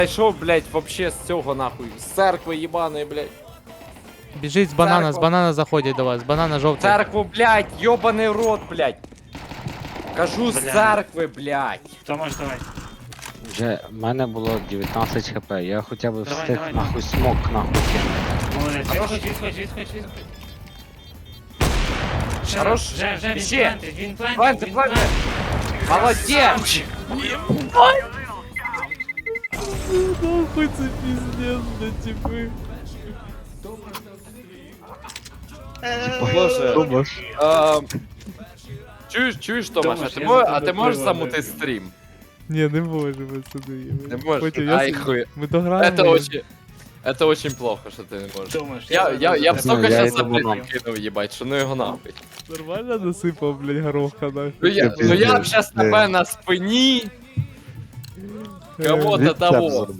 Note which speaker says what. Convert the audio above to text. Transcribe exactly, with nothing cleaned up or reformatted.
Speaker 1: Зайшов, блядь, вообще з цього нахуй. З церкви їбаної, блядь.
Speaker 2: Біжить з банана, з
Speaker 1: Церква.
Speaker 2: банана заходять до вас, з банана жовтий.
Speaker 1: Церкву, блядь, йобаний рот, блядь. Кажу, з
Speaker 3: Бля.
Speaker 1: церкви, блядь.
Speaker 3: Томаш, давай.
Speaker 4: Вже в мене було дев'ятнадцять хп, я хоча б
Speaker 3: Давай,
Speaker 4: встиг
Speaker 3: давай,
Speaker 4: нахуй смок нахуй кинути.
Speaker 3: Молодець. Відходь, відходь, відходь, відходь. Ще
Speaker 1: Хорош.
Speaker 3: раз. Вже, вже, він
Speaker 1: Ще.
Speaker 3: плентить, він
Speaker 1: Планти,
Speaker 3: плентить, він
Speaker 1: планти.
Speaker 3: плентить.
Speaker 1: Молодець.
Speaker 2: Нахуй це пиздец, да типи.
Speaker 1: Боже.
Speaker 4: Томаш.
Speaker 1: Ем, Чуєш, чуєш, Томаш, а
Speaker 3: Томаш,
Speaker 1: ти
Speaker 3: я
Speaker 1: мо-
Speaker 3: за
Speaker 1: а
Speaker 3: тебе
Speaker 1: ти можеш
Speaker 3: пиво,
Speaker 1: замути
Speaker 3: да.
Speaker 1: стрім?
Speaker 2: Ні, не можу, пацани.
Speaker 1: Не можеш?
Speaker 2: Потім я
Speaker 1: Ай,
Speaker 2: с-
Speaker 1: хуй.
Speaker 2: Ми дограємо.
Speaker 1: Это очень... Это очень плохо, що ти не можеш.
Speaker 3: Томаш,
Speaker 1: Я, я, я б
Speaker 4: Ну,
Speaker 1: столько
Speaker 4: я
Speaker 1: щас
Speaker 4: йду
Speaker 1: заблін
Speaker 4: банан.
Speaker 1: кинув, їбать, що ну його нахуй.
Speaker 2: Нормально насипав, блядь, гороха нахуй.
Speaker 1: Ну я, ну я б щас тебе на спині кого-то того.